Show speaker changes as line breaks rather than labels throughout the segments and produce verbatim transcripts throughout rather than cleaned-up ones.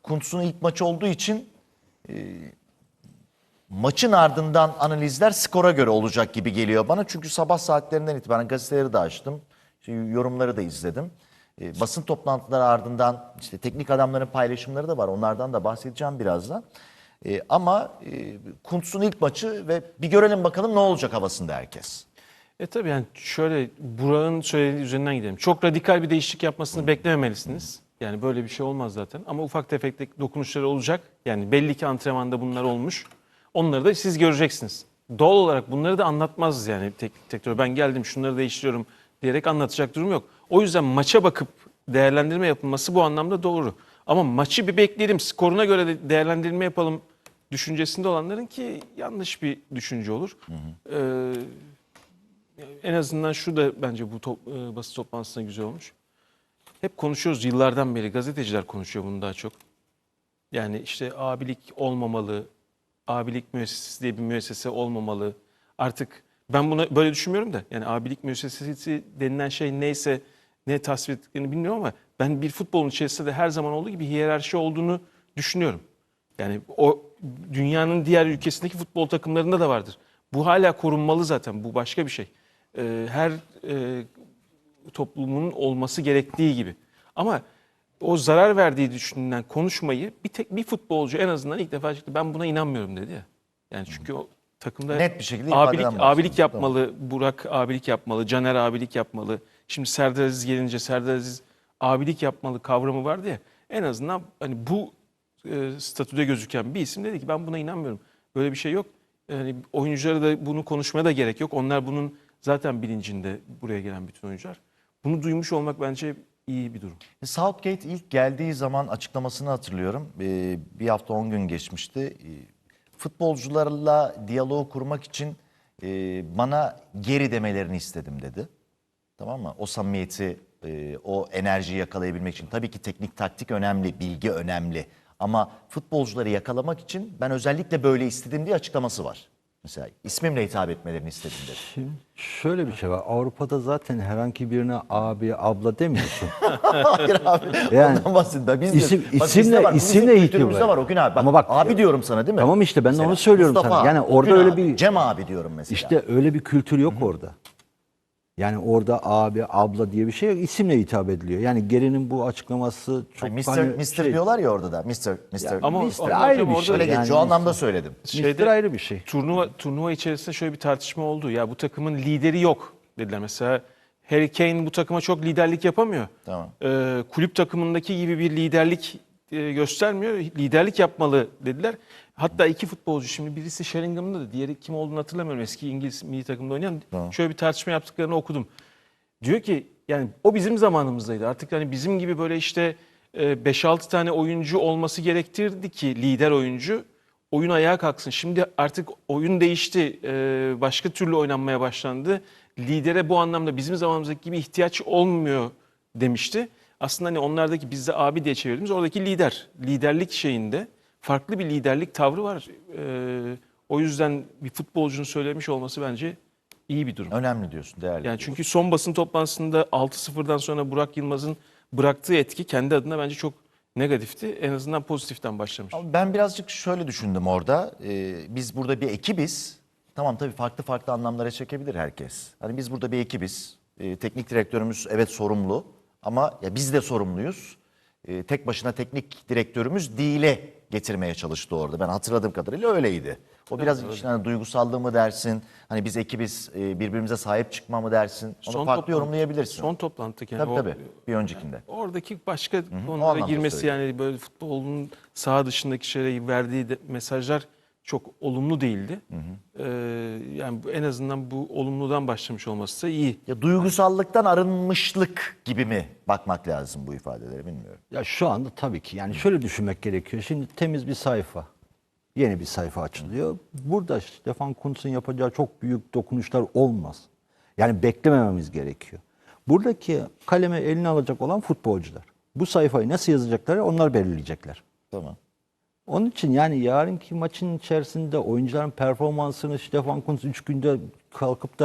Kuntz'un ilk maçı olduğu için e, maçın ardından analizler skora göre olacak gibi geliyor bana. Çünkü sabah saatlerinden itibaren gazeteleri de açtım. İşte yorumları da izledim. E, basın toplantıları ardından işte teknik adamların paylaşımları da var. Onlardan da bahsedeceğim birazdan. E, ama e, Kuntz'un ilk maçı ve bir görelim bakalım ne olacak havasında herkes.
E tabii yani şöyle Burak'ın söylediği üzerinden gidelim. Çok radikal bir değişiklik yapmasını beklememelisiniz. Yani böyle bir şey olmaz zaten. Ama ufak tefek dokunuşları olacak. Yani belli ki antrenmanda bunlar olmuş. Onları da siz göreceksiniz. Doğal olarak bunları da anlatmaz yani teknik direktör. Ben geldim şunları değiştiriyorum diyerek anlatacak durum yok. O yüzden maça bakıp değerlendirme yapılması bu anlamda doğru. Ama maçı bir bekleyelim, skoruna göre de değerlendirme yapalım düşüncesinde olanların ki yanlış bir düşünce olur. Hı hı. Ee, en azından şu da bence bu top, e, basın toplantısında güzel olmuş. Hep konuşuyoruz yıllardan beri, gazeteciler konuşuyor bunu daha çok. Yani işte abilik olmamalı, abilik müessesesi diye bir müessese olmamalı. Artık ben buna böyle düşünmüyorum da yani abilik müessesesi denilen şey neyse ne tasvir ettiklerini bilmiyorum ama ben bir futbolun içerisinde de her zaman olduğu gibi hiyerarşi olduğunu düşünüyorum. Yani o dünyanın diğer ülkesindeki futbol takımlarında da vardır. Bu hala korunmalı zaten. Bu başka bir şey. Ee, her e, toplumun olması gerektiği gibi. Ama o zarar verdiği düşünülen konuşmayı bir tek bir futbolcu en azından ilk defa çıktı. Ben buna inanmıyorum dedi ya. Yani çünkü o takımda
Net bir şekilde
abilik,
ifadeden
abilik
bahsediyoruz.
yapmalı, Burak abilik yapmalı, Caner abilik yapmalı. Şimdi Serdar Aziz gelince Serdar Aziz abilik yapmalı kavramı vardı ya. En azından hani bu e, statüde gözüken bir isim dedi ki ben buna inanmıyorum. Böyle bir şey yok. Yani oyunculara da bunu konuşmaya da gerek yok. Onlar bunun zaten bilincinde buraya gelen bütün oyuncular. Bunu duymuş olmak bence iyi bir durum.
Southgate ilk geldiği zaman açıklamasını hatırlıyorum. Ee, bir hafta on gün geçmişti. Ee, futbolcularla diyaloğu kurmak için e, bana geri demelerini istedim dedi. Tamam mı? O samimiyeti, e, o enerjiyi yakalayabilmek için. Tabii ki teknik taktik önemli, bilgi önemli. Ama futbolcuları yakalamak için ben özellikle böyle istedim diye açıklaması var. Mesela ismimle hitap etmelerini istedim dedi.
Şimdi şöyle bir şey var. Avrupa'da zaten herhangi birine abi, abla demiyorsun.
Hayır abi.
Yani
ondan bahsediyorum. Biz
isim-
de, bak
isimle-
bizde var, bu bizim
isimle hitap
kültürümüzde
var.
var Okun abi. Bak,
Ama bak-
abi diyorum sana değil mi?
Tamam işte ben de
Mesela
onu söylüyorum
Mustafa
sana.
abi,
Yani orada
Okun
öyle
abi,
bir
Cem abi diyorum mesela.
işte öyle bir kültür yok orada. Yani orada abi, abla diye bir şey yok. İsimle hitap ediliyor. Yani Geri'nin bu açıklaması çok
Ay, mister
hani
mister
şey-
diyorlar ya orada da. mister mister
Ama
mister
ama
ayrı
hocam
bir
orada
şey.
Öyle
yani
geçiyor. O anlamda söyledim.
mister ayrı bir şey.
Turnuva turnuva içerisinde şöyle bir tartışma oldu. Ya bu takımın lideri yok dediler. Mesela Harry Kane bu takıma çok liderlik yapamıyor.
Tamam.
Ee, kulüp takımındaki gibi bir liderlik e, göstermiyor. Liderlik yapmalı dediler. Hatta iki futbolcu şimdi birisi Sheringham'da da diğeri kim olduğunu hatırlamıyorum. Eski İngiliz milli takımda oynayan.
Tamam.
Şöyle bir tartışma yaptıklarını okudum. Diyor ki yani o bizim zamanımızdaydı. Artık hani bizim gibi böyle işte beş altı tane oyuncu olması gerektirdi ki lider oyuncu oyun ayağa kalksın. Şimdi artık oyun değişti. Ee, Başka türlü oynanmaya başlandı. Lidere bu anlamda bizim zamanımızdaki gibi ihtiyaç olmuyor demişti. Aslında hani onlardaki bizde abi diye çevirdiğimiz oradaki lider. Liderlik şeyinde farklı bir liderlik tavrı var. Ee, O yüzden bir futbolcunun söylemiş olması bence iyi bir durum.
Önemli diyorsun, değerli.
Yani çünkü son basın toplantısında altı sıfırdan sonra Burak Yılmaz'ın bıraktığı etki kendi adına bence çok negatifti. En azından pozitiften başlamış.
Ama ben birazcık şöyle düşündüm orada. Ee, biz burada bir ekibiz. Tamam, tabii farklı farklı anlamlara çekebilir herkes. Hani biz burada bir ekibiz. Ee, teknik direktörümüz evet sorumlu. Ama ya biz de sorumluyuz. Ee, tek başına teknik direktörümüz değile getirmeye çalıştı orada. Ben hatırladığım kadarıyla öyleydi. O biraz işte hani duygusallığı mı dersin? Hani biz ekibiz, e, birbirimize sahip çıkma mı dersin? Onu
Son
farklı
toplantı-
yorumlayabilirsin.
Son toplantı yani
tabii
o-
tabii. Bir öncekinde.
Oradaki başka
o
konulara
anlamda
girmesi
söylüyorum.
yani böyle futbolun saha dışındaki şeylere verdiği de- mesajlar çok olumlu değildi. Ee, yani bu- en azından bu olumludan başlamış olması da iyi.
Ya duygusallıktan arınmışlık gibi mi bakmak lazım bu ifadelere, bilmiyorum.
Ya şu anda tabii ki yani şöyle düşünmek gerekiyor. Şimdi temiz bir sayfa. Yeni bir sayfa açılıyor. Burada Stefan Kuntz'un yapacağı çok büyük dokunuşlar olmaz. Yani beklemememiz gerekiyor. Buradaki kaleme eline alacak olan futbolcular. Bu sayfayı nasıl yazacakları onlar belirleyecekler.
Tamam.
Onun için yani yarınki maçın içerisinde oyuncuların performansını Stefan Kuntz üç günde kalkıp da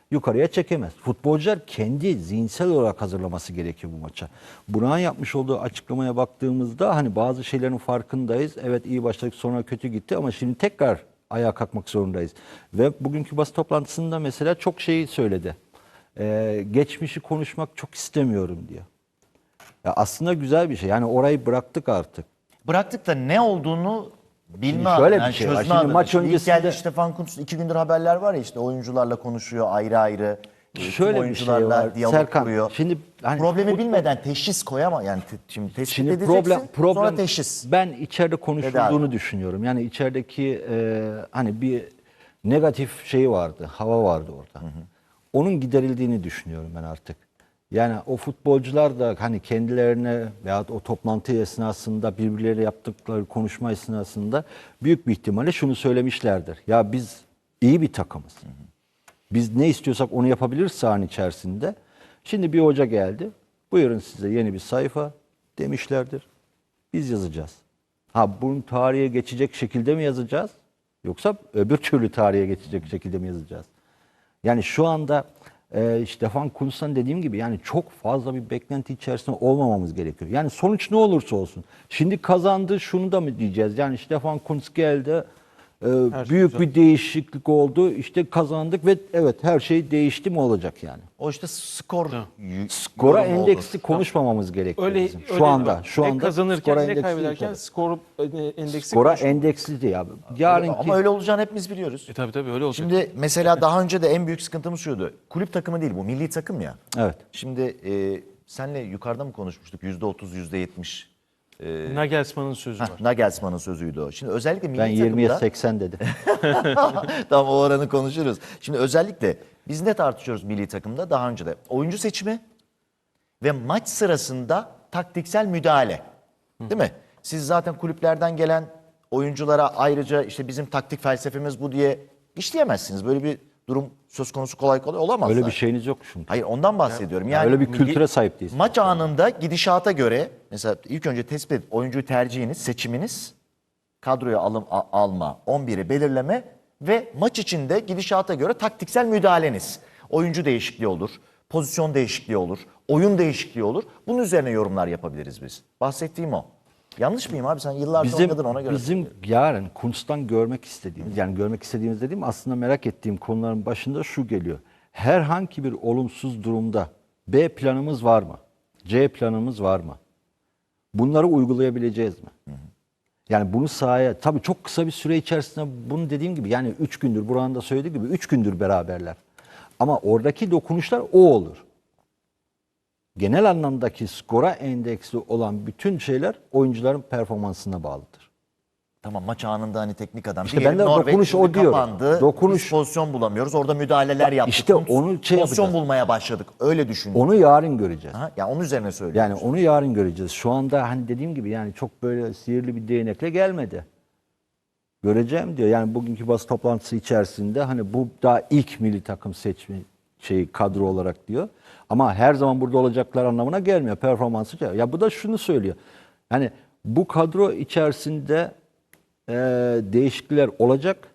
yukarıya çekemez. Futbolcular kendi zihinsel olarak hazırlaması gerekiyor bu maça. Burak'ın yapmış olduğu açıklamaya baktığımızda hani bazı şeylerin farkındayız. Evet iyi başladık sonra kötü gitti ama şimdi tekrar ayağa kalkmak zorundayız. Ve bugünkü basın toplantısında mesela çok şeyi söyledi. Ee, geçmişi konuşmak çok istemiyorum diyor. Ya aslında güzel bir şey. Yani orayı bıraktık artık.
Bıraktık da ne olduğunu bilme
Şimdi
adına,
şöyle bir
yani
şey var.
çözme
Şimdi
adına.
maç
Şimdi ilk
öncesinde-
geldi Stefan Kuntz, iki gündür haberler var ya işte oyuncularla konuşuyor ayrı ayrı. e, tüm
Şöyle bir şey
oyuncularla
var.
diyalog
Serkan,
kuruyor.
şimdi hani
Problemi
futbol-
bilmeden teşhis koyama yani te- şimdi tespit
Şimdi
edeceksin
problem problem
sonra teşhis.
ben içeride konuşulduğunu
Tedavi.
düşünüyorum. Yani içerideki e, hani bir negatif şey vardı, hava vardı orada. Onun giderildiğini düşünüyorum ben artık. Yani o futbolcular da hani kendilerine veya o toplantı esnasında birbirleriyle yaptıkları konuşma esnasında büyük bir ihtimalle şunu söylemişlerdir. Ya biz iyi bir takımız. Biz ne istiyorsak onu yapabiliriz sahanın içerisinde. Şimdi bir hoca geldi. Buyurun size yeni bir sayfa demişlerdir. Biz yazacağız. Ha bunun tarihe geçecek şekilde mi yazacağız? Yoksa öbür türlü tarihe geçecek şekilde mi yazacağız? Yani şu anda e, Stefan Kuntz'tan dediğim gibi yani çok fazla bir beklenti içerisinde olmamamız gerekiyor. Yani sonuç ne olursa olsun. Şimdi kazandı şunu da mı diyeceğiz? Yani Stefan Kuntz geldi. e,
Her şey
büyük
güzel.
bir değişiklik oldu. İşte kazandık ve evet her şey değişti mi olacak yani?
O işte skor y-
Skora
yorumu olur.
endeksi konuşmamamız gerekiyor
Öyle,
bizim. Şu
öyle
anda şu
ne
anda
kazanırken
skora
ne
endeksi
kaybederken
tabii.
skor e, endeksi
Skora
konuşmak.
endeksli ya. Yarınki
Ama öyle olacağını hepimiz biliyoruz.
E tabii tabii öyle olacak.
Şimdi mesela daha önce de en büyük sıkıntımız şuydu. Kulüp takımı değil bu milli takım ya.
evet.
Şimdi e, senle yukarıda mı konuşmuştuk? yüzde otuz, yüzde yetmiş.
Nagelsmann'ın sözü var.
Nagelsmann'ın sözüydü o. Şimdi özellikle milli
Ben yirmiye
takımda...
seksen dedim.
Tamam o oranı konuşuruz. Şimdi özellikle biz ne tartışıyoruz milli takımda daha önce de? Oyuncu seçimi ve maç sırasında taktiksel müdahale. Değil mi? Siz zaten kulüplerden gelen oyunculara ayrıca işte bizim taktik felsefemiz bu diye işleyemezsiniz. Böyle bir durum söz konusu kolay kolay olamaz.
Öyle
zaten.
bir şeyiniz yok çünkü.
Hayır ondan bahsediyorum.
Ya
Yani
öyle bir
milli-
kültüre sahip değilsiniz.
Maç anında gidişata göre mesela ilk önce tespit edip oyuncuyu tercihiniz, seçiminiz, kadroya alım a- alma, on biri belirleme ve maç içinde gidişata göre taktiksel müdahaleniz. Oyuncu değişikliği olur, pozisyon değişikliği olur, oyun değişikliği olur. Bunun üzerine yorumlar yapabiliriz biz. Bahsettiğim o. Yanlış mıyım abi? Sen yıllardır
Bizim
oynadın ona göre.
bizim yarın Kuntz'tan görmek istediğimiz yani görmek istediğimiz dediğim aslında merak ettiğim konuların başında şu geliyor. Herhangi bir olumsuz durumda B planımız var mı? C planımız var mı? Bunları uygulayabileceğiz mi? Yani bunu sahaya tabii çok kısa bir süre içerisinde bunu dediğim gibi yani üç gündür Burak'ın da söylediği gibi üç gündür beraberler. Ama oradaki dokunuşlar o olur. Genel anlamdaki skora endeksli olan bütün şeyler oyuncuların performansına bağlıdır.
Tamam maç anında hani teknik adam.
İşte
Diyelim
ben de
Norveç
dokunuş
şimdi
o diyorum.
kapandı.
Dokunuş-
Biz pozisyon bulamıyoruz. Orada müdahaleler yaptık.
işte
Kuntz
onu şey
pozisyon
yapacağız.
bulmaya başladık. Öyle düşün.
Onu yarın göreceğiz.
Ha, ya onun üzerine söylüyorum.
Yani onu yarın göreceğiz. Şu anda hani dediğim gibi yani çok böyle sihirli bir değnekle gelmedi. Göreceğim diyor. Yani bugünkü basın toplantısı içerisinde hani bu daha ilk milli takım seçme şeyi kadro olarak diyor. Ama her zaman burada olacaklar anlamına gelmiyor. Performansı. Ya bu da şunu söylüyor. Yani bu kadro içerisinde e, değişiklikler olacak.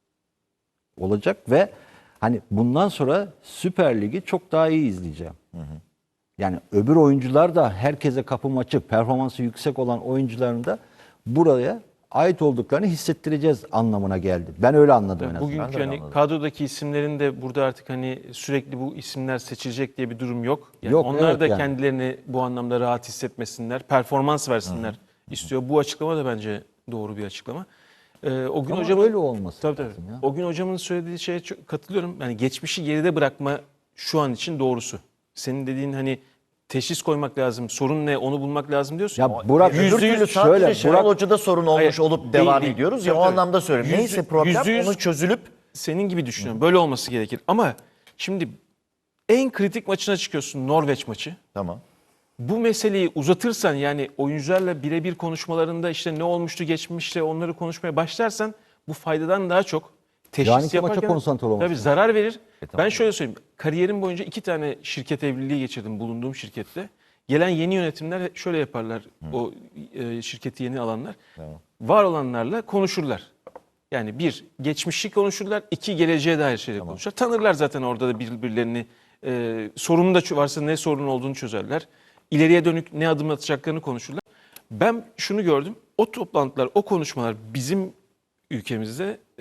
Olacak ve hani bundan sonra Süper Lig'i çok daha iyi izleyeceğim. Yani öbür oyuncular da herkese kapım açık, performansı yüksek olan oyuncuların da buraya ait olduklarını hissettireceğiz anlamına geldi. Ben öyle anladım en azından.
Ben de
Bugünkü
öyle
hani
anladım.
kadrodaki isimlerin de burada artık hani sürekli bu isimler seçilecek diye bir durum yok. Yani
Yok,
onlar
evet
da
yani.
kendilerini bu anlamda rahat hissetmesinler, performans versinler istiyor. Bu açıklama da bence doğru bir açıklama. Ee, o gün
Ama
hocamın
öyle olması
tabii, tabii.
lazım ya.
O gün hocamın söylediği şeye çok katılıyorum. Yani geçmişi geride bırakma şu an için doğrusu. Senin dediğin hani teşhis koymak lazım. Sorun ne? Onu bulmak lazım diyorsun.
Ya Burak
Öbür
yüzde
türlü
yüz
sadece
şöyle,
Şenol
Burak-
Hoca'da sorun olmuş
Hayır,
olup
değil,
devam
değil.
ediyoruz ya
Tabii,
o
tabii.
anlamda söylüyorum.
Yüzde-
Neyse problem
yüzde yüz-
onu çözülüp
Senin gibi düşünüyorum. Böyle olması gerekir. Ama şimdi en kritik maçına çıkıyorsun, Norveç maçı.
tamam.
Bu meseleyi uzatırsan yani oyuncularla birebir konuşmalarında işte ne olmuştu geçmişte onları konuşmaya başlarsan bu faydadan daha çok teşhis
Yarınki maça
yaparken
konsantre olmak
tabii
lazım.
zarar verir.
tamam.
Ben şöyle söyleyeyim. Kariyerim boyunca iki tane şirket evliliği geçirdim bulunduğum şirkette. Gelen yeni yönetimler şöyle yaparlar. O e, şirketi yeni alanlar. Var olanlarla konuşurlar. Yani bir, geçmişi konuşurlar. İki, geleceğe dair şeyler konuşurlar. Tanırlar zaten orada da birbirlerini. E, sorun da varsa ne sorun olduğunu çözerler. İleriye dönük ne adım atacaklarını konuşurlar. Ben şunu gördüm. O toplantılar, o konuşmalar bizim ülkemizde e,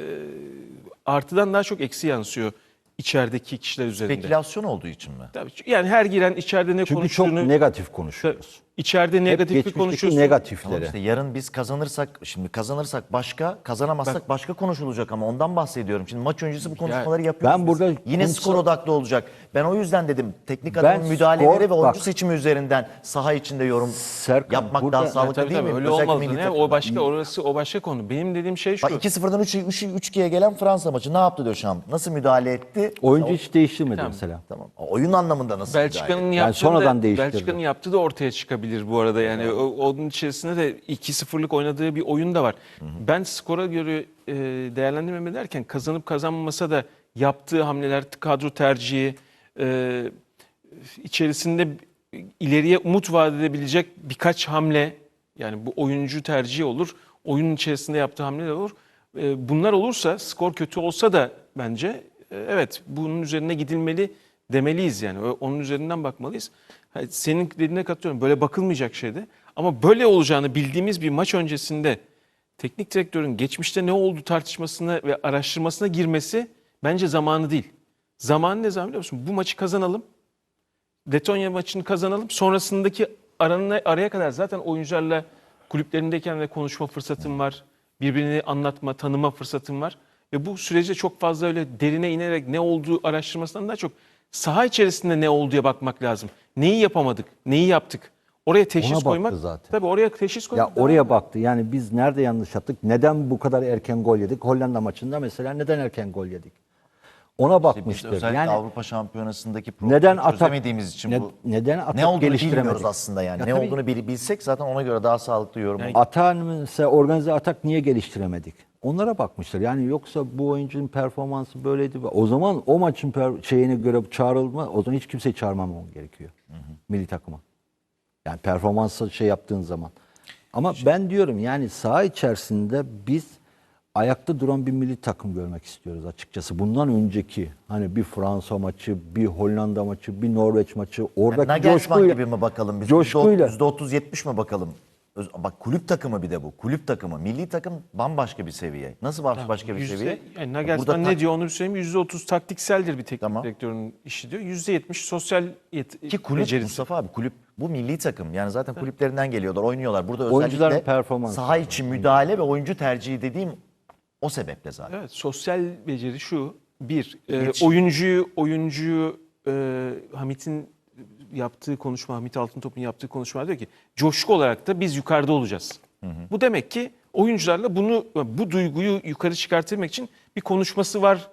artıdan daha çok eksi yansıyor içerideki kişiler üzerinde.
Spekülasyon olduğu için mi?
Tabii, yani her giren içeride ne
Çünkü
konuştuğunu...
çok negatif konuşuyoruz.
İçeride
Hep
negatif bir
geçmişteki
konuşuyorsun.
negatifleri.
Tamam işte yarın biz kazanırsak, şimdi kazanırsak başka, kazanamazsak başka konuşulacak ama ondan bahsediyorum. Şimdi maç öncesi bu konuşmaları yapıyoruz.
ben
biz.
burada
Yine
konuşsa-
skor odaklı olacak. Ben o yüzden dedim teknik
Ben
adamın müdahaleleri
skor-
ve oyuncu
bak-
seçimi üzerinden saha içinde yorum
Serkan,
yapmak
burada-
daha
Ya
sağlıklı
Tabii
değil
tabii
mi?
öyle
Özellikle
olmaz.
milli
Ne?
takımda.
O başka, orası o başka konu. Benim dediğim şey şu.
Bak iki sıfırdan üç ikiye gelen Fransa maçı ne yaptı Deschamps? Nasıl müdahale etti?
Oyuncu hiç değiştirmedi
Tamam.
mesela.
Tamam. Oyun anlamında nasıl müdahale
Belçika'nın
etti?
yaptığı
sonradan
da,
değiştirdi.
Belçika'nın yaptığı da ortaya çıkabilir bu arada. Yani o, onun içerisinde de iki sıfırlık oynadığı bir oyun da var. Ben skora göre e, değerlendirmeme derken kazanıp kazanmasa da yaptığı hamleler, kadro tercihi, e, içerisinde ileriye umut vaat edebilecek birkaç hamle, yani bu oyuncu tercihi olur, oyunun içerisinde yaptığı hamleler olur. E, bunlar olursa, skor kötü olsa da bence e, evet bunun üzerine gidilmeli demeliyiz yani. Ö- Onun üzerinden bakmalıyız. Ha, senin dediğine katılıyorum. Böyle bakılmayacak şeydi. Ama böyle olacağını bildiğimiz bir maç öncesinde teknik direktörün geçmişte ne oldu tartışmasına ve araştırmasına girmesi bence zamanı değil. Zamanı ne zaman biliyor musun? Bu maçı kazanalım. Letonya maçını kazanalım. Sonrasındaki aranına, araya kadar zaten oyuncularla kulüplerindeyken de konuşma fırsatım var. Birbirini anlatma, tanıma fırsatım var. Ve bu sürece çok fazla öyle derine inerek ne olduğu araştırmasından daha çok saha içerisinde ne olduğuya bakmak lazım. Neyi yapamadık, neyi yaptık? Oraya teşhis
baktı
koymak.
zaten.
Tabii oraya teşhis koymak.
Ya
daha-
oraya baktı. Yani biz nerede yanlış yaptık? Neden bu kadar erken gol yedik? Hollanda maçında mesela neden erken gol yedik? Ona
Biz
bakmıştır.
özellikle
Yani
Avrupa Şampiyonası'ndaki problemi
neden atak
çözemediğimiz için
ne-
bu.
neden atak
ne olduğunu
geliştiremedik?
bilmiyoruz aslında yani.
Ya
ne
tabii-
olduğunu bil- bilsek zaten ona göre daha sağlıklı yorum olur.
Atağın mesela organize atak niye geliştiremedik? Onlara bakmışlar. Yani yoksa bu oyuncunun performansı böyleydi. O zaman o maçın per- şeyine göre çağrılma, o zaman hiç kimseyi çağırmamam gerekiyor. Milli takıma. Yani performansı şey yaptığın zaman. Ama ben diyorum yani saha içerisinde biz ayakta duran bir milli takım görmek istiyoruz açıkçası. Bundan önceki hani bir Fransa maçı, bir Hollanda maçı, bir Norveç maçı oradaki
Nagelsmann
coşkuyla
gibi mi bakalım biz?
coşkuyla.
yüzde otuz yetmiş mi bakalım? Öz- Bak kulüp takımı bir de bu. Kulüp takımı. Milli takım bambaşka bir seviye. Nasıl başka bir
Yüzde-
seviye?
Yani
Burada
Nagelsmann
tak-
ne diyor onu bir söyleyeyim. yüzde otuz taktikseldir bir teknik
Tamam.
direktörün işi diyor. yüzde yetmiş sosyal yet-
Ki kulüp
becerisi.
Mustafa abi kulüp bu milli takım. Yani zaten kulüplerinden geliyorlar, oynuyorlar. Burada
Oyuncuların
özellikle
performansı.
saha içi müdahale ve oyuncu tercihi dediğim o sebeple zaten.
Evet, sosyal beceri şu. Bir, e,
İletişim.
oyuncuyu, oyuncuyu e, Hamit'in yaptığı konuşma, Hamit Altıntop'un yaptığı konuşma diyor ki coşku olarak da biz yukarıda olacağız. Bu demek ki oyuncularla bunu, bu duyguyu yukarı çıkartmak için bir konuşması var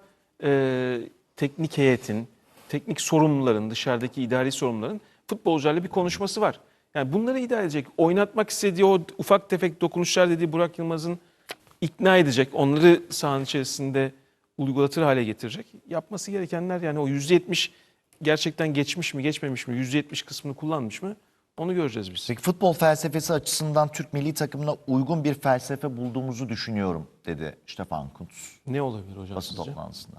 e, teknik heyetin, teknik sorumluların, dışarıdaki idari sorumluların futbolcularla bir konuşması var. Yani bunları idare edecek, oynatmak istediği o ufak tefek dokunuşlar dediği Burak Yılmaz'ın ikna edecek, onları sahanın içerisinde uygulatır hale getirecek. Yapması gerekenler yani o yüzde yetmiş gerçekten geçmiş mi geçmemiş mi, yüzde yetmiş kısmını kullanmış mı onu göreceğiz biz.
Peki futbol felsefesi açısından Türk milli takımına uygun bir felsefe bulduğumuzu düşünüyorum dedi Stefan Kuntz
Ne olabilir hocam
basın
sizce?
toplantısında.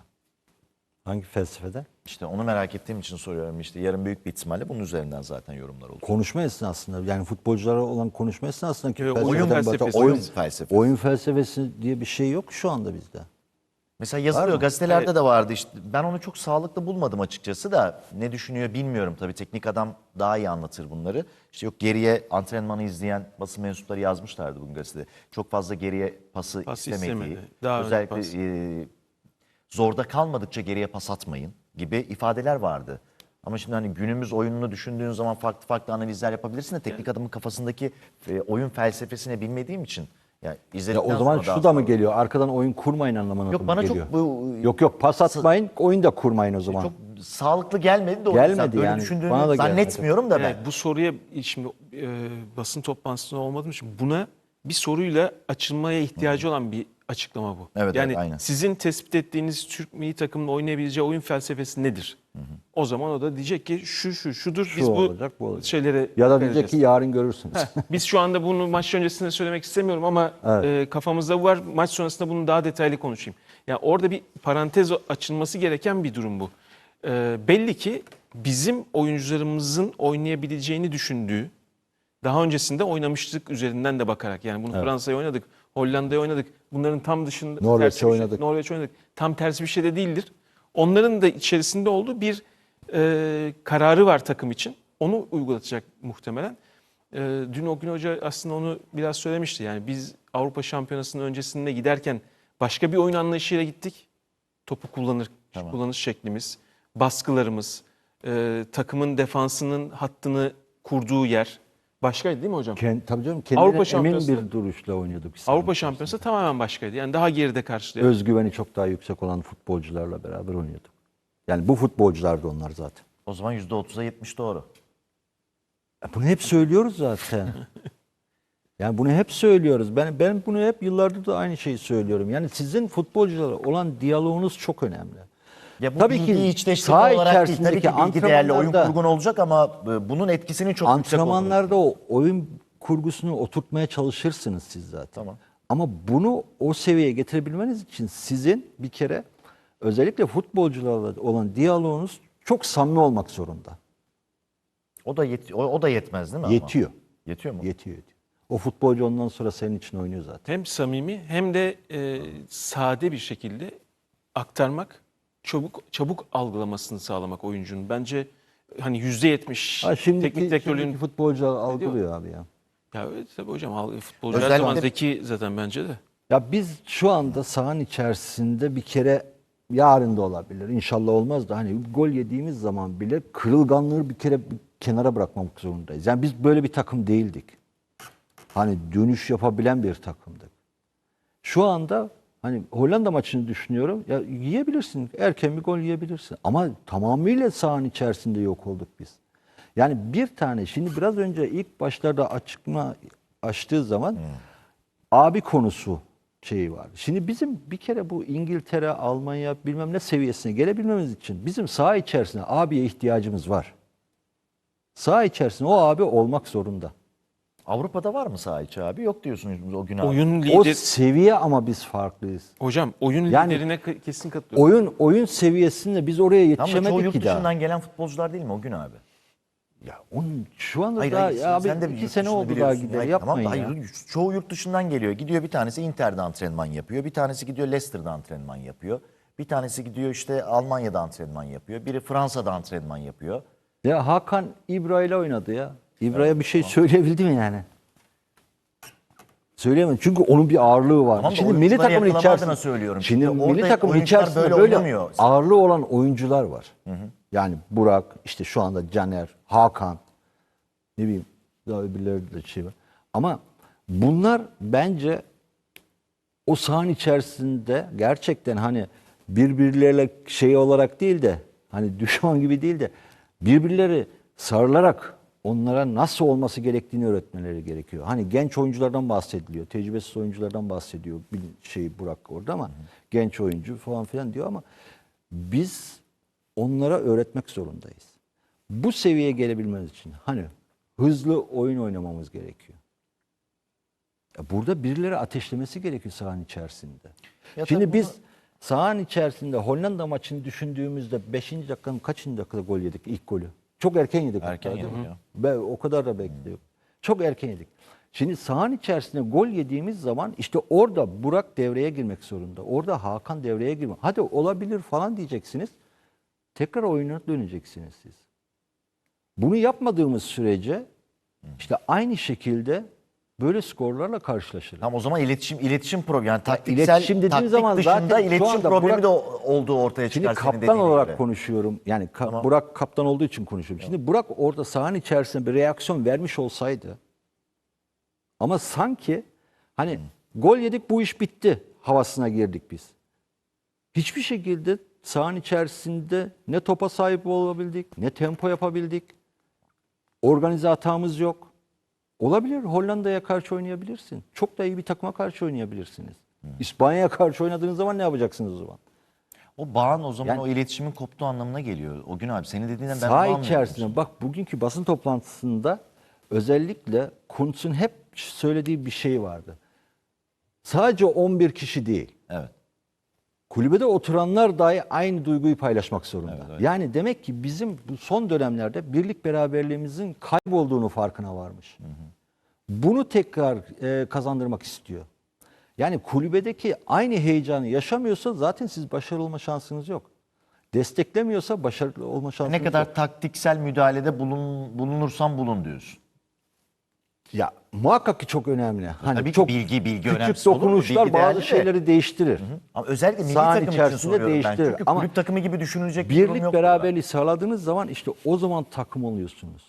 Hangi felsefede?
İşte onu merak ettiğim için soruyorum. İşte yarın büyük bir ihtimalle bunun üzerinden zaten yorumlar olur.
Konuşma esnasında yani futbolculara olan konuşma esnasında ki
Yok,
felsefeden
oyun
bahsediyor.
felsefesi.
Oyun
oyun,
felsefesi.
oyun felsefesi diye bir şey yok şu anda bizde.
Mesela
Var
yazılıyor
mı?
gazetelerde
Evet.
de vardı işte. Ben onu çok sağlıklı bulmadım açıkçası da ne düşünüyor bilmiyorum tabii teknik adam daha iyi anlatır bunları. İşte yok geriye antrenmanı izleyen basın mensupları yazmışlardı bugün gazetede. Çok fazla geriye pası
Pas
istemediği.
istemedi. Daha önce
özellikle
pas.
e, zorda kalmadıkça geriye pas atmayın gibi ifadeler vardı. Ama şimdi hani günümüz oyununu düşündüğün zaman farklı farklı analizler yapabilirsin de teknik adamın kafasındaki e, oyun felsefesini bilmediğim için ya
Ya
izledikten
o zaman
sonra daha
şu da mı
sonra-
geliyor? Arkadan oyun kurmayın anlamına
Yok
mı
bana
geliyor?
çok bu
Yok yok pas atmayın, oyun da kurmayın o zaman.
çok sağlıklı gelmedi de o
Gelmedi
yüzden böyle
yani.
düşündüğünü
Bana da gelmedi.
zannetmiyorum da ben.
Evet, bu soruya şimdi e, basın toplantısında olmadığım için buna bir soruyla açılmaya ihtiyacı olan bir açıklama bu.
Evet,
yani
evet, aynen.
sizin tespit ettiğiniz Türk milli takımının oynayabileceği oyun felsefesi nedir? O zaman o da diyecek ki şu şu şudur
Şu
biz bu
olacak, bu olacak.
şeylere
Ya da
dikkat
diyecek ki
edeceğiz.
yarın görürsünüz.
Heh, biz şu anda bunu maç öncesinde söylemek istemiyorum ama
Evet.
e, kafamızda var. Maç sonrasında bunu daha detaylı konuşayım. Ya orada bir parantez açılması gereken bir durum bu. E, belli ki bizim oyuncularımızın oynayabileceğini düşündüğü, daha öncesinde oynamıştık üzerinden de bakarak. Yani bunu Fransa'ya oynadık, Hollanda'ya oynadık. Bunların tam dışında
Norveç'e
tersi bir şey-
oynadık.
Norveç oynadık. Tam tersi bir şey de değildir. Onların da içerisinde olduğu bir e, kararı var takım için. Onu uygulatacak muhtemelen. E, dün Ogün Hoca aslında onu biraz söylemişti. Yani biz Avrupa Şampiyonası'nın öncesinde giderken başka bir oyun anlayışıyla gittik. Topu kullanır,
Tamam.
kullanış şeklimiz, baskılarımız, e, takımın defansının hattını kurduğu yer başkaydı değil mi hocam?
Kend, tabii canım kendine
Avrupa
emin
Şampiyonası-
bir duruşla oynuyorduk. biz.
Avrupa Şampiyonası tamamen başkaydı. Yani daha geride karşılayan.
Özgüveni çok daha yüksek olan futbolcularla beraber oynuyorduk. Yani bu futbolculardı onlar zaten.
O zaman yüzde otuza yetmiş doğru.
Ya bunu hep söylüyoruz zaten. Yani bunu hep söylüyoruz. Ben ben bunu hep yıllardır da aynı şeyi söylüyorum. Yani sizin futbolcularla olan diyaloğunuz çok önemli.
Ya bu
Tabii
bilgi
ki
içleştirme
saha
olarak değil. Tabii
içerisindeki
ki bilgi değerli oyun
antrenmanlarda-
kurgun olacak ama e, bunun etkisinin çok yüksek olduğunu.
Antrenmanlarda o oyun kurgusunu oturtmaya çalışırsınız siz zaten.
Tamam.
Ama bunu o seviyeye getirebilmeniz için sizin bir kere özellikle futbolcularla olan diyaloğunuz çok samimi olmak zorunda.
O da yet o, o da yetmez değil mi?
Yetiyor.
Ama? Yetiyor mu?
Yetiyor, yetiyor. O futbolcu ondan sonra senin için oynuyor zaten.
Hem samimi hem de e, sade bir şekilde aktarmak, çabuk çabuk algılamasını sağlamak oyuncunun. Bence hani yüzde yetmiş
Ha, şimdiki,
teknik direktörlüğün...
şimdiki futbolcular algılıyor abi ya.
Ya evet tabii hocam al- futbolcu her
Özellikle-
zaman zeki zaten bence de.
Ya biz şu anda sahanın içerisinde bir kere yarın da olabilir. İnşallah olmaz da hani gol yediğimiz zaman bile kırılganlığı bir kere bir kenara bırakmamak zorundayız. Yani biz böyle bir takım değildik. Hani dönüş yapabilen bir takımdık. Şu anda hani Hollanda maçını düşünüyorum. Ya yiyebilirsin. Erken bir gol yiyebilirsin. Ama tamamıyla sahanın içerisinde yok olduk biz. Yani bir tane şimdi biraz önce ilk başlarda açıkma açtığı zaman abi konusu şeyi var. Şimdi bizim bir kere bu İngiltere, Almanya bilmem ne seviyesine gelebilmemiz için bizim saha içerisinde abiye ihtiyacımız var. Saha içerisinde o abi olmak zorunda.
Avrupa'da var mı saha içi abi? Yok diyorsunuz o gün abi.
Oyun
O
lider...
seviye ama biz farklıyız.
Hocam oyun
Yani-
liderine ke- kesin katılıyorum.
Oyun oyun seviyesinde biz oraya
Ama çoğu
yetişemedik
yurt
ki daha.
dışından gelen futbolcular değil mi o gün abi?
Ya onun şu anda
Hayır,
daha
hayır,
ya abi
sen de bir
iki
yurt
sene
dışını
oldu daha
biliyorsun.
gider
Hayır,
yapmayın
tamam,
ya.
hayır, çoğu yurt dışından geliyor. Gidiyor bir tanesi Inter'de antrenman yapıyor. Bir tanesi gidiyor Leicester'da antrenman yapıyor. Bir tanesi gidiyor işte Almanya'da antrenman yapıyor. Biri Fransa'da antrenman yapıyor.
Ya Hakan İbra ile oynadı ya. İbra'ya bir şey söyleyebildi mi yani? Söyleyemem. Çünkü onun bir ağırlığı var.
Tamam da
Şimdi milli
oyuncuları
takımın
yakalama
içerisinde
adına söylüyorum.
Şimdi
Şimdi
milli
orada
takımın
oyuncular
içerisinde
böyle
böyle,
oynamıyor.
ağırlığı olan oyuncular var. Yani Burak, işte şu anda Caner, Hakan, ne bileyim daha öbürleri de şey var. Ama bunlar bence o sahanın içerisinde gerçekten hani birbirleriyle şey olarak değil de hani düşman gibi değil de birbirleri sarılarak onlara nasıl olması gerektiğini öğretmeleri gerekiyor. Hani genç oyunculardan bahsediliyor, tecrübesiz oyunculardan bahsediyor bir şey Burak orada ama genç oyuncu falan filan diyor ama biz onlara öğretmek zorundayız. Bu seviyeye gelebilmemiz için hani hızlı oyun oynamamız gerekiyor. Ya burada birileri ateşlemesi gerekiyor sahanın içerisinde.
Ya
Şimdi
tabii
biz
bunu-
sahanın içerisinde Hollanda maçını düşündüğümüzde beşinci dakikanın kaçıncı dakikada gol yedik ilk golü? Çok erken yedik.
Erken
hatta, değil
yedik
mi?
ya.
Ben o kadar da bekliyorum. Çok erken yedik. Şimdi sahanın içerisinde gol yediğimiz zaman işte orada Burak devreye girmek zorunda. Orada Hakan devreye girmek. Hadi olabilir falan diyeceksiniz. Tekrar oyuna döneceksiniz siz. Bunu yapmadığımız sürece işte aynı şekilde böyle skorlarla karşılaşırız.
Tam o zaman iletişim iletişim problemi yani taktiksel
iletişim dediğim
taktik
zaman
dışında
zaten şu
iletişim
anda
problemi
Burak-
de o- olduğu ortaya
Şimdi
çıkar senin
kaptan
dediğine
olarak
göre.
konuşuyorum. Yani ka-
Tamam.
Burak kaptan olduğu için konuşuyorum. Şimdi Burak orada sahanın içerisinde bir reaksiyon vermiş olsaydı ama sanki hani gol yedik bu iş bitti havasına girdik biz. Hiçbir şekilde sahanın içerisinde ne topa sahip olabildik, ne tempo yapabildik. Organize hatamız yok. Olabilir. Hollanda'ya karşı oynayabilirsin. Çok da iyi bir takıma karşı oynayabilirsiniz. İspanya'ya karşı oynadığınız zaman ne yapacaksınız o zaman?
O bağın o zaman
Yani-
o iletişimin koptuğu anlamına geliyor. O gün abi senin dediğinden ben bunu
Saha
anlıyorum.
içerisinde bak bugünkü basın toplantısında özellikle Kuntz'un hep söylediği bir şey vardı. Sadece on bir kişi değil.
Evet.
Kulübede oturanlar dahi aynı duyguyu paylaşmak zorunda.
Evet, evet.
Yani demek ki bizim bu son dönemlerde birlik beraberliğimizin kaybolduğunu farkına varmış. Bunu tekrar e, kazandırmak istiyor. Yani kulübedeki aynı heyecanı yaşamıyorsa zaten siz başarılı olma şansınız yok. Desteklemiyorsa başarılı olma şansınız
Ne kadar
yok.
taktiksel müdahalede bulun, bulunursan bulun diyorsun.
Ya muhakkak ki çok önemli. Hani
Tabii ki
çok
bilgi- bilgi
küçük
önemsiz olur mu?
dokunuşlar
Bilgi değerli
bazı
de.
şeyleri değiştirir.
Ama özellikle milli
Sahanın
takım için
içerisinde
soruyorum ben.
değiştirir.
Çünkü
Ama
kulüp takımı gibi düşünülecek bir durum
Birlik
yok.
beraberliği sağladığınız zaman işte o zaman takım oluyorsunuz.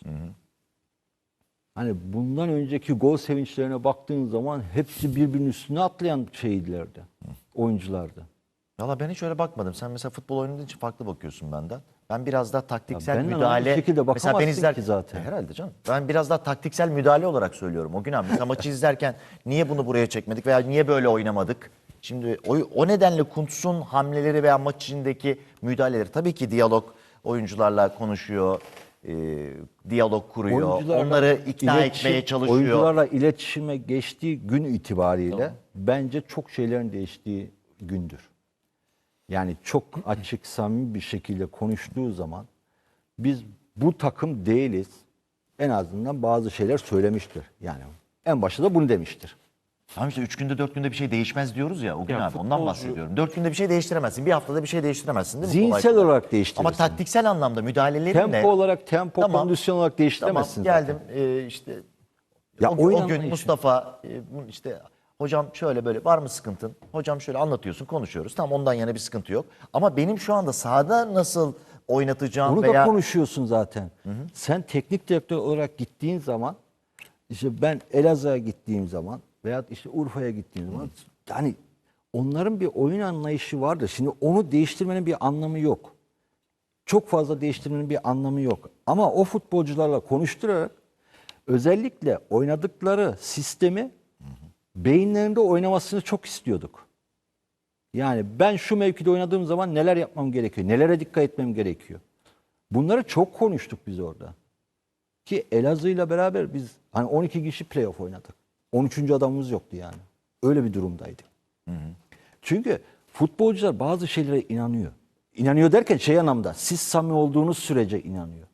Hani bundan önceki gol sevinçlerine baktığın zaman hepsi birbirinin üstüne atlayan şeylerdi. Oyunculardı.
Valla ben hiç öyle bakmadım. Sen mesela futbol oynadığın için farklı bakıyorsun benden. Ben biraz daha taktiksel
Ya benden
müdahale...
aynı şekilde
mesela ben
bakamazsın
izler...
ki zaten.
E, herhalde canım. Ben biraz daha taktiksel müdahale olarak söylüyorum. O gün abi mesela maçı izlerken niye bunu buraya çekmedik veya niye böyle oynamadık? Şimdi o, o nedenle Kuntz'un hamleleri veya maç içindeki müdahaleleri tabii ki diyalog oyuncularla konuşuyor. e, diyalog kuruyor.
Oyuncularla
Onları ikna
iletişim-
etmeye çalışıyor.
Oyuncularla iletişime geçtiği gün itibariyle bence çok şeylerin değiştiği gündür. Yani çok açık, samimi bir şekilde konuştuğu zaman biz bu takım değiliz. En azından bazı şeyler söylemiştir. Yani en başta da bunu demiştir.
Tamam işte üç günde dört günde bir şey değişmez diyoruz ya o gün
Ya
abi ondan
futbolcu-
bahsediyorum. Dört günde bir şey değiştiremezsin. Bir haftada bir şey değiştiremezsin değil mi? Kolay
Zihinsel
kolay.
olarak değiştirirsin.
Ama taktiksel anlamda müdahalelerinle...
Tempo olarak, tempo,
Tamam.
kondisyon olarak
Tamam
değiştiremezsin
geldim
zaten.
e, işte
Ya
o,
oyun
o gün
anlayışı.
Mustafa e, bu işte hocam şöyle böyle var mı sıkıntın? Hocam şöyle anlatıyorsun konuşuyoruz. Tamam ondan yana bir sıkıntı yok. Ama benim şu anda sahada nasıl oynatacağım
Onu
veya...
da konuşuyorsun zaten. Sen teknik direktör olarak gittiğin zaman, işte ben Elazığ'a gittiğim zaman veya işte Urfa'ya gittiğim zaman, yani onların bir oyun anlayışı vardır. Şimdi onu değiştirmenin bir anlamı yok. Çok fazla değiştirmenin bir anlamı yok. Ama o futbolcularla konuşturarak özellikle oynadıkları sistemi beyinlerinde oynamasını çok istiyorduk. Yani ben şu mevkide oynadığım zaman neler yapmam gerekiyor, nelere dikkat etmem gerekiyor. Bunları çok konuştuk biz orada. Ki Elazığ'yla beraber biz hani on iki kişi playoff oynadık. on üçüncü adamımız yoktu yani. Öyle bir durumdaydık. Çünkü futbolcular bazı şeylere inanıyor. İnanıyor derken şey anlamda, siz samimi olduğunuz sürece inanıyor.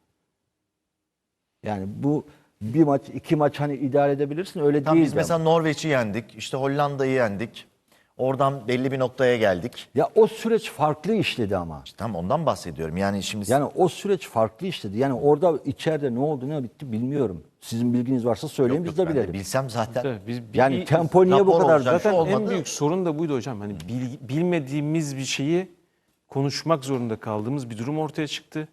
Yani bu bir maç, iki maç hani idare edebilirsin, öyle
Tam
değil.
biz
de.
mesela Norveç'i yendik, işte Hollanda'yı yendik. Oradan belli bir noktaya geldik.
Ya o süreç farklı işledi ama.
İşte tam ondan bahsediyorum. Yani şimdi
Yani o süreç farklı işledi. Yani orada içeride ne oldu ne bitti bilmiyorum. Sizin bilginiz varsa söyleyin
Yok,
biz
yok,
de
ben de
bilelim.
bilsem zaten
Tabii biz
Yani
bir-
tempo niye bu
rapor
kadar?
olacak, şu
Zaten
olmadı.
en büyük sorun da buydu hocam. Hani bil- bilmediğimiz bir şeyi konuşmak zorunda kaldığımız bir durum ortaya çıktı.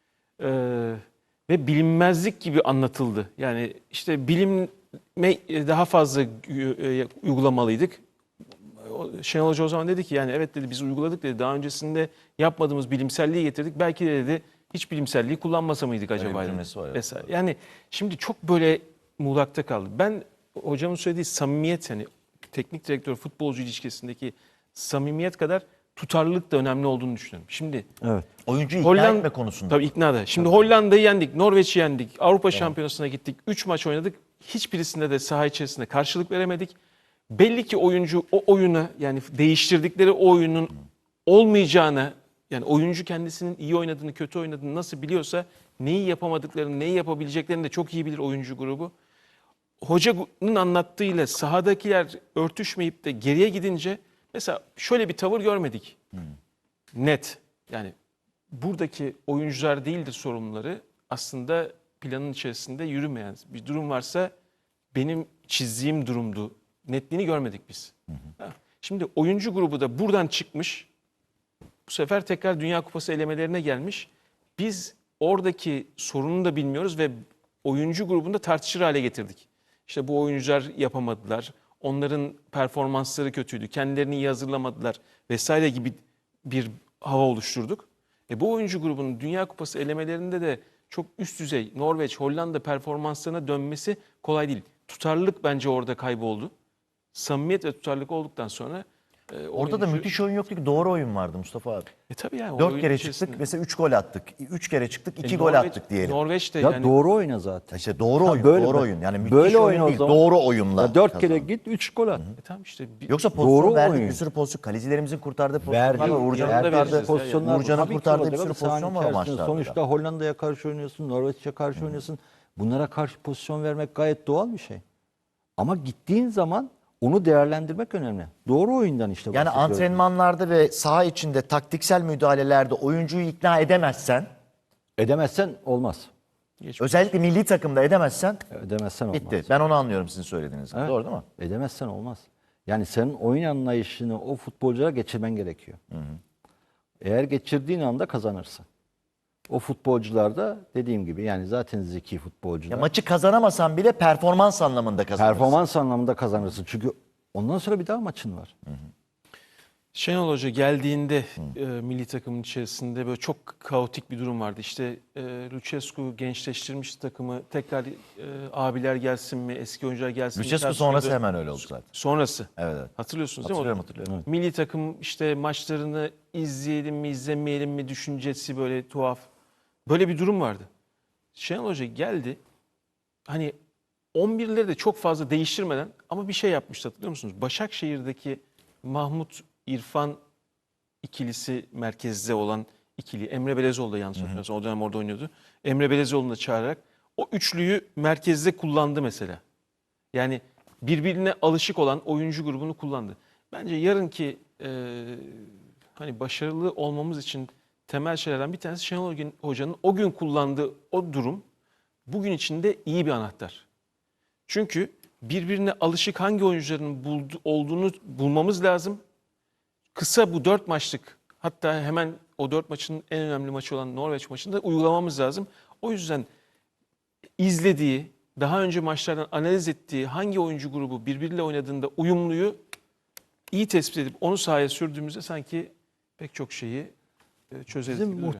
Ee, ve bilinmezlik gibi anlatıldı. Yani işte bilime daha fazla e, uygulamalıydık. O- Şenol Hoca o zaman dedi ki yani evet dedi biz uyguladık dedi. Daha öncesinde yapmadığımız bilimselliği getirdik. Belki de dedi hiç bilimselliği kullanmasa mıydık acaba?
bir
dedi.
cümlesi var, evet.
Vesaire. Yani şimdi çok böyle muğlakta kaldı. Ben hocamın söylediği samimiyet yani teknik direktör futbolcu ilişkisindeki samimiyet kadar tutarlılık da önemli olduğunu düşünüyorum. Şimdi
Evet.
oyuncu ikna
Hollanda
etme konusunda.
Tabii ikna da. Şimdi Hollanda'yı yendik, Norveç'i yendik, Avrupa Şampiyonası'na gittik. üç maç oynadık. Hiçbirisinde de saha içerisinde karşılık veremedik. Belli ki oyuncu o oyuna yani değiştirdikleri o oyunun olmayacağını yani oyuncu kendisinin iyi oynadığını, kötü oynadığını nasıl biliyorsa neyi yapamadıklarını, neyi yapabileceklerini de çok iyi bilir oyuncu grubu. Hocanın anlattığıyla sahadakiler örtüşmeyip de geriye gidince mesela şöyle bir tavır görmedik. Net. Yani buradaki oyuncular değildir sorumluları. Aslında planın içerisinde yürümeyen bir durum varsa benim çizdiğim durumdu. Netliğini görmedik biz. Ha. Şimdi oyuncu grubu da buradan çıkmış. Bu sefer tekrar Dünya Kupası elemelerine gelmiş. Biz oradaki sorunu da bilmiyoruz ve oyuncu grubunda tartışır hale getirdik. İşte bu oyuncular yapamadılar. Onların performansları kötüydü. Kendilerini iyi hazırlamadılar vesaire gibi bir hava oluşturduk. E bu oyuncu grubunun Dünya Kupası elemelerinde de çok üst düzey Norveç, Hollanda performanslarına dönmesi kolay değil. Tutarlılık bence orada kayboldu. Samimiyet ve tutarlılık olduktan sonra e,
Orada da
oyuncu-
müthiş oyun yoktu ki, doğru oyun vardı Mustafa abi.
E tabii yani o
Dört
oyun
kere
içerisinde.
çıktık mesela üç gol attık. Üç kere çıktık iki
E,
gol
Norveç-
attık diyelim.
Norveç'te
Ya
yani
doğru oyna zaten.
İşte doğru
Ha,
oyun,
böyle
doğru
bak,
oyun. Yani müthiş
böyle
oyun
oyun o
değil,
zaman.
doğru oyunla.
Ya dört kere
kazandı.
git üç gol at.
e tamam işte bir-
Yoksa pozisyon
Doğru
verdik,
oyun.
bir sürü pozisyon. Kalecilerimizin kurtardığı pozisyonlar
Verdi.
var. Uğurcan'ın
Yanında
kurtardığı
vereceğiz ya.
pozisyonlar.
Uğurcan'ın
Tabii ki
kurtardığı bir
olacak
sürü
ama sahanın
pozisyon var o
içerisinde.
maçlarda.
Sonuçta Hollanda'ya karşı oynuyorsun, Norveç'e karşı oynuyorsun. Bunlara karşı pozisyon vermek gayet doğal bir şey. Ama gittiğin zaman onu değerlendirmek önemli. Doğru oyundan işte
Yani
bahsediyoruz.
antrenmanlarda ve saha içinde taktiksel müdahalelerde oyuncuyu ikna edemezsen,
Edemezsen olmaz.
özellikle milli takımda edemezsen
Edemezsen olmaz.
bitti. Ben onu anlıyorum sizin söylediğinizden.
Evet.
Doğru değil mi?
Edemezsen olmaz. Yani senin oyun anlayışını o futbolculara geçirmen gerekiyor. Eğer geçirdiğin anda kazanırsın. O futbolcular da dediğim gibi yani zaten zeki futbolcular.
Ya maçı kazanamasan bile performans anlamında kazanırsın.
Performans anlamında kazanırsın. Çünkü ondan sonra bir daha maçın var.
Şenol Hoca geldiğinde e, milli takımın içerisinde böyle çok kaotik bir durum vardı. İşte e, Lucescu gençleştirmiş takımı, tekrar e, abiler gelsin mi, eski oyuncular gelsin mi?
Lucescu
tartışıyordu.
sonrası hemen öyle oldu zaten.
Sonrası.
Evet, evet.
Hatırlıyorsunuz değil mi?
Hatırlıyorum,
o-
hatırlıyorum.
Milli takım işte maçlarını izleyelim mi, izlemeyelim mi düşüncesi böyle tuhaf. Böyle bir durum vardı. Şenol Hoca geldi. Hani on birleri de çok fazla değiştirmeden ama bir şey yapmıştı, hatırlıyor musunuz? Başakşehir'deki Mahmut İrfan ikilisi merkezde olan ikili. Emre Belezoğlu da yanlış hatırlamıyorsam o dönem orada oynuyordu. Emre Belezoğlu'nu da çağırarak o üçlüyü merkezde kullandı mesela. Yani birbirine alışık olan oyuncu grubunu kullandı. Bence yarınki e, hani başarılı olmamız için temel şeylerden bir tanesi Şenol Hoca'nın o gün kullandığı o durum bugün içinde iyi bir anahtar. Çünkü birbirine alışık hangi oyuncuların buldu, olduğunu bulmamız lazım. Kısa bu dört maçlık, hatta hemen o dört maçın en önemli maçı olan Norveç maçında uygulamamız lazım. O yüzden izlediği, daha önce maçlardan analiz ettiği hangi oyuncu grubu birbiriyle oynadığında uyumluyu iyi tespit edip onu sahaya sürdüğümüzde sanki pek çok şeyi e, çözeriz
Bizim
gibi duruyor.